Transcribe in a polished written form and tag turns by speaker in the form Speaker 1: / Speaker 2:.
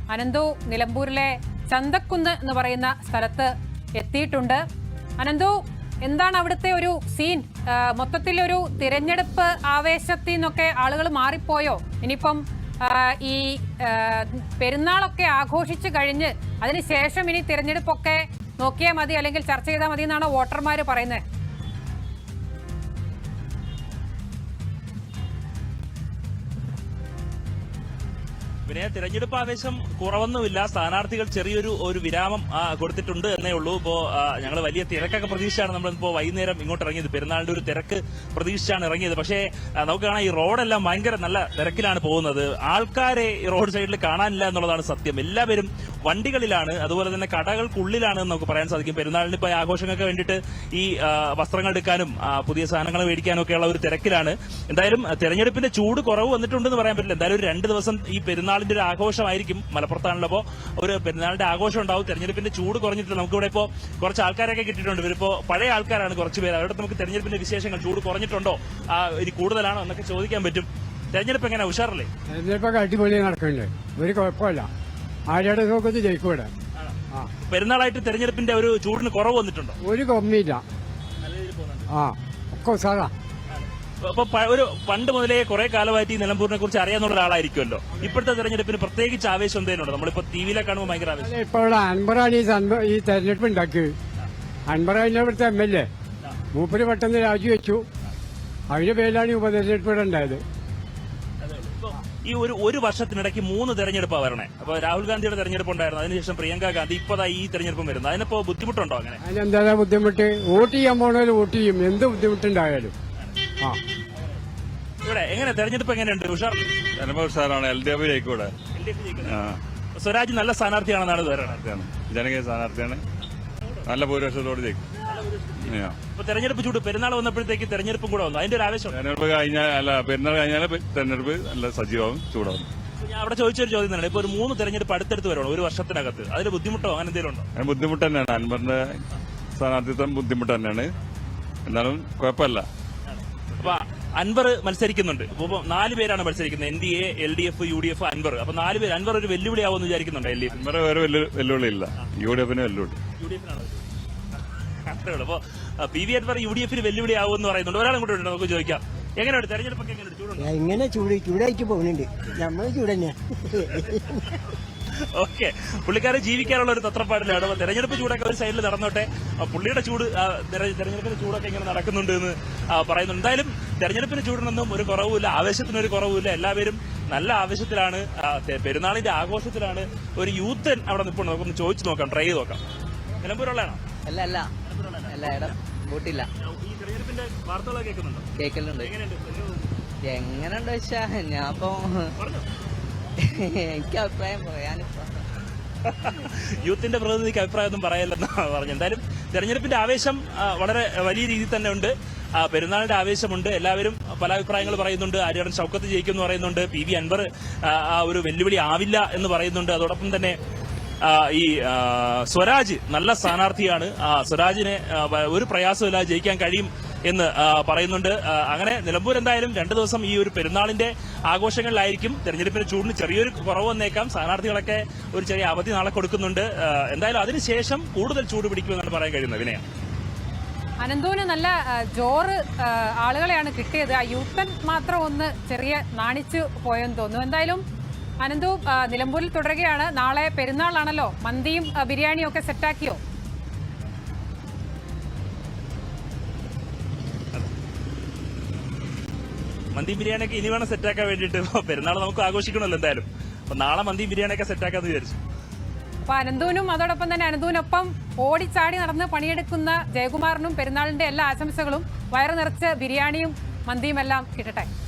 Speaker 1: അനന്തു നിലമ്പൂരിലെ ചന്തക്കുന്ന് എന്ന് പറയുന്ന സ്ഥലത്ത് എത്തിയിട്ടുണ്ട്. അനന്തു, എന്താണ് അവിടുത്തെ ഒരു സീൻ? മൊത്തത്തിലൊരു തിരഞ്ഞെടുപ്പ് ആവേശത്തിൽ നിന്നൊക്കെ ആളുകൾ മാറിപ്പോയോ? ഇനിയിപ്പം ഈ പെരുന്നാളൊക്കെ ആഘോഷിച്ചു കഴിഞ്ഞ് അതിനുശേഷം ഇനി തിരഞ്ഞെടുപ്പൊക്കെ നോക്കിയാൽ മതി, അല്ലെങ്കിൽ ചർച്ച ചെയ്താൽ മതി എന്നാണ് വോട്ടർമാർ പറയുന്നത്.
Speaker 2: പിന്നെ തിരഞ്ഞെടുപ്പ് ആവേശം കുറവൊന്നുമില്ല. സ്ഥാനാർത്ഥികൾ ചെറിയൊരു വിരാമം കൊടുത്തിട്ടുണ്ട് എന്നേ ഉള്ളൂ. ഇപ്പോ ഞങ്ങൾ വലിയ തിരക്കൊക്കെ പ്രതീക്ഷിച്ചാണ് നമ്മളിപ്പോ വൈകുന്നേരം ഇങ്ങോട്ട് ഇറങ്ങിയത്. പെരുന്നാളിന്റെ ഒരു തിരക്ക് പ്രതീക്ഷിച്ചാണ് ഇറങ്ങിയത്. പക്ഷേ നമുക്ക് കാണാം, ഈ റോഡെല്ലാം ഭയങ്കര നല്ല തിരക്കിലാണ് പോകുന്നത്. ആൾക്കാരെ ഈ റോഡ് സൈഡിൽ കാണാനില്ല എന്നുള്ളതാണ് സത്യം. എല്ലാവരും വണ്ടികളിലാണ്, അതുപോലെ തന്നെ കടകൾക്കുള്ളിലാണ് എന്ന് നമുക്ക് പറയാൻ സാധിക്കും. പെരുന്നാളിന് ഇപ്പൊ ആഘോഷങ്ങൾക്ക് വേണ്ടിയിട്ട് ഈ വസ്ത്രങ്ങൾ എടുക്കാനും പുതിയ സാധനങ്ങൾ മേടിക്കാനും ഒക്കെയുള്ള ഒരു തിരക്കിലാണ്. എന്തായാലും തെരഞ്ഞെടുപ്പിന്റെ ചൂട് കുറവ് വന്നിട്ടുണ്ടെന്ന് പറയാൻ പറ്റില്ല. എന്തായാലും ഒരു 2 ദിവസം ഈ പെരുന്നാളിന്റെ ഒരു ആഘോഷമായിരിക്കും. മലപ്പുറത്താണല്ലോ അപ്പോൾ ഒരു പെരുന്നാളിന്റെ ആഘോഷം ഉണ്ടാവും. തെരഞ്ഞെടുപ്പിന്റെ ചൂട് കുറഞ്ഞിട്ടില്ല. നമുക്കിവിടെ ഇപ്പോൾ കുറച്ച് ആൾക്കാരൊക്കെ കിട്ടിയിട്ടുണ്ട്. ഇവരിപ്പോ പഴയ ആൾക്കാരാണ് കുറച്ച് പേര്. അവരുടെ നമുക്ക് തെരഞ്ഞെടുപ്പിന്റെ വിശേഷങ്ങൾ, ചൂട് കുറഞ്ഞിട്ടുണ്ടോ, ഇനി കൂടുതലാണോ എന്നൊക്കെ ചോദിക്കാൻ പറ്റും. തെരഞ്ഞെടുപ്പ് എങ്ങനെ, ഉഷാറല്ലേ?
Speaker 3: തെരഞ്ഞെടുപ്പൊക്കെ അടിപൊളി നടക്കുന്നുണ്ട്, ഒരു കുഴപ്പമില്ല. ആരുടെ നോക്കത്ത് ജയിക്കൂടെ.
Speaker 2: പെരുന്നാളായിട്ട് തെരഞ്ഞെടുപ്പിന്റെ ഒരു ചൂടിന് കുറവ് വന്നിട്ടുണ്ടോ?
Speaker 3: ഒരു കമ്മിയില്ല. ഒക്കെ സാധാ.
Speaker 2: അപ്പൊ ഒരു പണ്ട് മുതലേ കുറെ കാലമായിട്ട് ഈ നിലമ്പൂരിനെ കുറിച്ച് അറിയാവുന്ന ഒരാളായിരിക്കുമല്ലോ. ഇപ്പോഴത്തെ തെരഞ്ഞെടുപ്പിന് പ്രത്യേകിച്ച് ആവേശം എന്തെങ്കിലും ഉണ്ടോ? നമ്മളിപ്പോ ടിവിയിലെ കാണുമ്പോൾ ഭയങ്കര ആവേശം.
Speaker 3: ഇപ്പോൾ അൻവറാണ് ഈ തെരഞ്ഞെടുപ്പ് ഉണ്ടാക്കിയത്. അൻവറാണ് ഇവിടുത്തെ MLA. മൂപ്പര് പെട്ടെന്ന് രാജിവെച്ചു. അതിന്റെ പേരിലാണ് ഈ ഉപതെരഞ്ഞെടുപ്പ് ഇവിടെ ഉണ്ടായത്.
Speaker 2: ഈ ഒരു വർഷത്തിനിടയ്ക്ക് 3 തെരഞ്ഞെടുപ്പാണ് വരണേ. അപ്പൊ രാഹുൽ ഗാന്ധിയുടെ തെരഞ്ഞെടുപ്പ് ഉണ്ടായിരുന്നു, അതിനുശേഷം പ്രിയങ്ക ഗാന്ധി, ഇപ്പതാ ഈ തെരഞ്ഞെടുപ്പും വരുന്നത്. അതിനിപ്പോ ബുദ്ധിമുട്ടുണ്ടോ? അങ്ങനെ
Speaker 3: അതിനെന്താ ബുദ്ധിമുട്ട്? വോട്ട് ചെയ്യാൻ പോണവര് വോട്ട് ചെയ്യും, എന്ത് ബുദ്ധിമുട്ടുണ്ടായാലും.
Speaker 2: ഇവിടെ എങ്ങനെ തെരഞ്ഞെടുപ്പ് എങ്ങനെയുണ്ട്?
Speaker 4: ഉഷാറാണ്. LDF ജയിക്കൂടെ.
Speaker 2: സ്വരാജ് നല്ല സ്ഥാനാർത്ഥിയാണെന്നാണ്
Speaker 4: ജനകീയ സ്ഥാനാർത്ഥിയാണ്. നല്ല ഭൂരിപക്ഷത്തോട് ജയിക്കും.
Speaker 2: ഇപ്പൊ തെരഞ്ഞെടുപ്പ് ചൂട്, പെരുന്നാൾ വന്നപ്പോഴത്തേക്ക് തെരഞ്ഞെടുപ്പും കൂടെ വന്നു, അതിന്റെ ഒരു ആവേശം.
Speaker 4: തെരഞ്ഞെടുപ്പ് കഴിഞ്ഞാൽ പെരുന്നാൾ കഴിഞ്ഞാൽ തെരഞ്ഞെടുപ്പ് നല്ല സജീവമാവും, ചൂടാവും.
Speaker 2: ഞാൻ അവിടെ ചോദിച്ചൊരു ചോദ്യം തന്നെ, ഇപ്പൊ ഒരു 3 തെരഞ്ഞെടുപ്പ് അടുത്തടുത്ത് വരണം ഒരു വർഷത്തിനകത്ത്. അതിന് ബുദ്ധിമുട്ടോ അങ്ങനെ എന്തെങ്കിലും ഉണ്ടോ?
Speaker 4: അതിന് ബുദ്ധിമുട്ട് തന്നെയാണ്. അൻവറിന്റെ സ്ഥാനാർത്ഥിത്വം ബുദ്ധിമുട്ട് തന്നെയാണ്. എന്നാലും കുഴപ്പമില്ല.
Speaker 2: അപ്പൊ അൻവർ മത്സരിക്കുന്നുണ്ട്. ഇപ്പൊ 4 പേരാണ് മത്സരിക്കുന്നത്, NDA, LDF, UDF, അൻവർ. അപ്പൊ 4 പേര്. അൻവർ ഒരു വെല്ലുവിളിയാവുമെന്ന് വിചാരിക്കുന്നുണ്ട്? LDF
Speaker 4: അൻവർ വേറെ വെല്ലുവിളി ഇല്ല. UDFന് വെല്ലുവിളി.
Speaker 2: അപ്പൊ PV അൻവർ UDFന് വെല്ലുവിളിയാവുമെന്ന് പറയുന്നുണ്ട്. ഒരാളും കൂടെ ഉണ്ട്, നമുക്ക് ചോദിക്കാം. എങ്ങനെയുണ്ട് തെരഞ്ഞെടുപ്പൊക്കെ?
Speaker 5: എങ്ങനെ ചൂടായിട്ട് പോകുന്നുണ്ട്. നമ്മള് ചൂട് തന്നെ.
Speaker 2: ഓക്കെ, പുള്ളിക്കാരെ ജീവിക്കാനുള്ള ഒരു തത്രപ്പാടിലാണ്. അപ്പൊ തെരഞ്ഞെടുപ്പ് ചൂടൊക്കെ ഒരു സൈഡിൽ നടന്നോട്ടെ, പുള്ളിയുടെ ചൂട്, തെരഞ്ഞെടുപ്പിന്റെ ചൂടൊക്കെ ഇങ്ങനെ നടക്കുന്നുണ്ട് എന്ന് പറയുന്നുണ്ട്. എന്തായാലും തെരഞ്ഞെടുപ്പിന് ചൂടിനൊന്നും ഒരു കുറവുമില്ല, ആവേശത്തിനൊരു കുറവുമില്ല. എല്ലാവരും നല്ല ആവേശത്തിലാണ്, പെരുന്നാളിന്റെ ആഘോഷത്തിലാണ്. ഒരു യൂത്ത് അവിടെ നിൽപ്പുണ്ട്, നമുക്കൊന്ന് ചോദിച്ചു നോക്കാം, ട്രൈ ചെയ്ത് നോക്കാം. നിലമ്പൂരുള്ളതാണോ?
Speaker 6: അല്ല വോട്ടില്ല.
Speaker 2: ഈ തെരഞ്ഞെടുപ്പിന്റെ വാർത്തകളൊക്കെ കേൾക്കുന്നുണ്ടോ?
Speaker 6: കേൾക്കലുണ്ട്. എങ്ങനെയുണ്ട് വെച്ചാ ഞാനിപ്പോ എനിക്ക് അഭിപ്രായം പറയാനിപ്പോ
Speaker 2: യൂത്തിന്റെ പ്രതിനിധിക്ക് അഭിപ്രായം ഒന്നും പറയല്ലെന്നാണ് പറഞ്ഞു. എന്തായാലും തെരഞ്ഞെടുപ്പിന്റെ ആവേശം വളരെ വലിയ രീതിയിൽ തന്നെ ഉണ്ട്. പെരുന്നാളിന്റെ ആവേശമുണ്ട്. എല്ലാവരും പല അഭിപ്രായങ്ങൾ പറയുന്നുണ്ട്. ആര്യാടൻ ഷൗക്കത്ത് ജയിക്കുമെന്ന് പറയുന്നുണ്ട്. PV അൻവർ ഒരു വെല്ലുവിളി ആവില്ല എന്ന് പറയുന്നുണ്ട്. അതോടൊപ്പം തന്നെ ഈ സ്വരാജ് നല്ല സ്ഥാനാർത്ഥിയാണ്. സ്വരാജിനെ ഒരു പ്രയാസമില്ലാതെ ജയിക്കാൻ കഴിയും എന്ന് പറയുന്നുണ്ട്. അങ്ങനെ നിലമ്പൂർ എന്തായാലും 2 ദിവസം ഈ ഒരു പെരുന്നാളിന്റെ ആഘോഷങ്ങളിലായിരിക്കും. തെരഞ്ഞെടുപ്പിന്റെ ചൂടിന് ചെറിയൊരു കുറവ് വന്നേക്കാം. സ്ഥാനാർത്ഥികളൊക്കെ ഒരു ചെറിയ അവധി നാളെ കൊടുക്കുന്നുണ്ട്. എന്തായാലും അതിനുശേഷം കൂടുതൽ ചൂട് പിടിക്കുമെന്നാണ് പറയാൻ കഴിയുന്നത്. വിനയ,
Speaker 1: അനന്തുവിന് നല്ല ജോറ് ആളുകളെയാണ് കിട്ടിയത്. ആ യൂത്തൻ മാത്രം ഒന്ന് ചെറിയ നാണിച്ചു പോയെന്ന് തോന്നുന്നു. എന്തായാലും അനന്തു നിലമ്പൂരിൽ തുടരുകയാണ്. നാളെ പെരുന്നാളാണല്ലോ, മന്തിയും ബിരിയാണിയും ഒക്കെ സെറ്റാക്കിയോ?
Speaker 2: മന്തിയും ബിരിയാണിയൊക്കെ ഇനി വേണം സെറ്റാക്കാൻ വേണ്ടിയിട്ട്. പെരുന്നാൾ നമുക്ക് ആഘോഷിക്കണമല്ലോ എന്തായാലും. അപ്പൊ നാളെ മന്തിയും ബിരിയാണിയൊക്കെ സെറ്റാക്കാന്ന് വിചാരിച്ചു.
Speaker 1: അപ്പൊ അനന്തുവിനും അതോടൊപ്പം തന്നെ അനന്തുവിനൊപ്പം ഓടിച്ചാടി നടന്ന് പണിയെടുക്കുന്ന ജയകുമാറിനും പെരുന്നാളിന്റെ എല്ലാ ആശംസകളും. വയറു നിറച്ച് ബിരിയാണിയും മന്തിയും എല്ലാം കിട്ടട്ടെ.